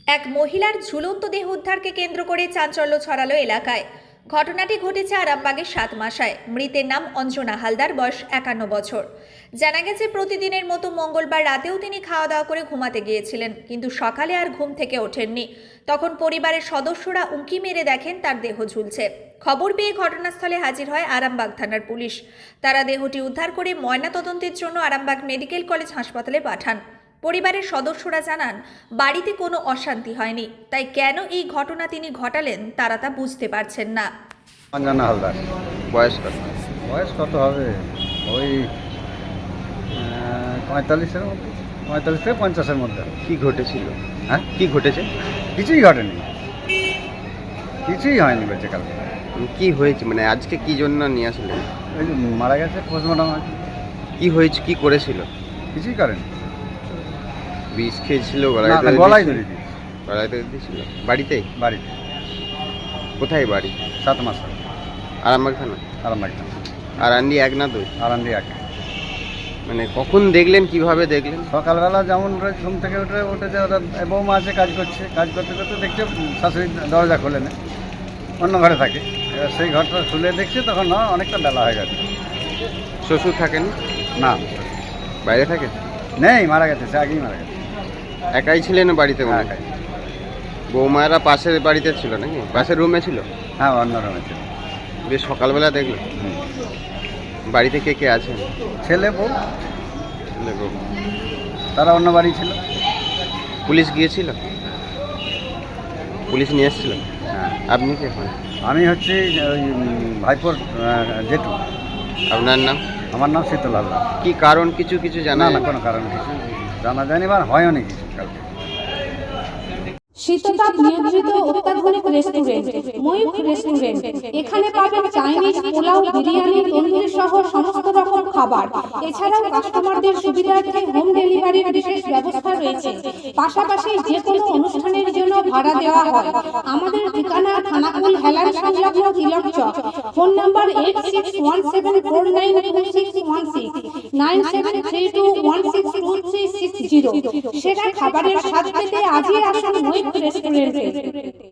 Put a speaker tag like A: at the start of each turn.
A: এক মহিলার ঝুলন্ত দেহ উদ্ধারকে কেন্দ্র করে চাঞ্চল্য ছড়ালো এলাকায়। ঘটনাটি ঘটেছে আরামবাগের 7 মাসায়। মৃতের নাম অঞ্জনা হালদার, বয়স 51 বছর। জানা গেছে প্রতিদিনের মতো মঙ্গলবার রাতেও তিনি খাওয়া দাওয়া করে ঘুমাতে গিয়েছিলেন, কিন্তু সকালে আর ঘুম থেকে ওঠেননি। তখন পরিবারের সদস্যরা উঁকি মেরে দেখেন তার দেহ ঝুলছে। খবর পেয়ে ঘটনাস্থলে হাজির হয় আরামবাগ থানার পুলিশ। তারা দেহটি উদ্ধার করে ময়নাতদন্তের জন্য আরামবাগ মেডিকেল কলেজ হাসপাতালে পাঠান। পরিবারের সদস্যরা জানান, বাড়িতে কোনো অশান্তি হয়নি, তাই কেন এই ঘটনা তিনি ঘটালেন তারা তা বুঝতে পারছেন না।
B: অঞ্জনা হালদার।
C: বয়স কত?
B: বয়স কত হবে? ওই 45-এর মধ্যে, 45 থেকে 50-এর মধ্যে।
C: কি ঘটেছিল?
B: হ্যাঁ,
C: কি ঘটেছে?
B: কিছুই ঘটেনি, কিছুই হয়নি বেঁচে কালকে।
C: কি হয়েছে, মানে আজকে কি জন্য নিয়ে আসলেন?
B: ওই যে মারা গেছে, পোস্টমর্টম আছে।
C: কি হয়েছে, কি করেছিল?
B: কিছুই করেনি,
C: বিষ খেয়েছিল?
B: না, গলায় ধরে দিয়েছে।
C: গলায় ধরে দিয়েছিল? বাড়িতেই?
B: বাড়িতে।
C: কোথায় বাড়ি?
B: 7 মাস
C: আরামবাগ থানা?
B: আরামবাগ।
C: আর আন্ডি 1 না 2?
B: আরামবাগ 1।
C: মানে কখন দেখলেন, কিভাবে দেখলেন?
B: সকালবেলা যেমন ঘুম থেকে উঠেছে, ওরা বৌমা আছে, কাজ করছে, কাজ করতে করতে দেখছে শাশুড়ি দরজা খোলে না, অন্য ঘরে থাকে। এবার সেই ঘরটা খুলে দেখছে, তখন অনেকটা বেলা হয়ে গেছে।
C: শ্বশুর থাকেন?
B: না,
C: বাইরে থাকেন?
B: নেই, মারা গেছে, সে আগেই মারা গেছে।
C: একাই ছিলেন বাড়িতে? মনে হয়
B: একাই।
C: বৌমায়েরা পাশের বাড়িতে ছিল নাকি? পাশের রুমে ছিল?
B: হ্যাঁ, অন্য রুমে ছিল।
C: বেশ সকালবেলা দেখলেন? বাড়িতে কে কে আছেন?
B: ছেলে বউ,
C: ছেলে, বউ।
B: তারা অন্য বাড়ি ছিল।
C: পুলিশ গিয়েছিল? পুলিশ নিয়ে এসেছিল?
B: হ্যাঁ।
C: আপনি কে হন?
B: আমি হচ্ছি ওই ভাইপোর জেঠু।
C: আপনার নাম?
B: আমার নাম শীতল হালদার।
C: কি কারণ কিছু কিছু জানা
B: না, কোনো কারণ কিছু জানা যায়নি, বা হয়নি কিছু কালকে।
D: শীততাপ নিয়ন্ত্রিত অত্যাধুনিক রেস্টুরেন্ট ময়ূখ রেস্টুরেন্ট। এখানে পাবেন চাইনিজ, পোলাও, বিরিয়ানি, তন্দুরি সহ সমস্ত রকম খাবার। এছাড়াও কাস্টমারদের সুবিধার্থে হোম ডেলিভারির বিশেষ ব্যবস্থা রয়েছে। পাশাপাশি যে কোনো অনুষ্ঠানের জন্য ভাড়া দেওয়া হয়। আমাদের ঠিকানা খানাকুল হেলান সংলগ্ন তিলক চক। Phone number 8617492616, 9732162360। সেরা খাবারের স্বাদ পেতে আজই আসুন ময়ূখ রেস্টুরেন্টে।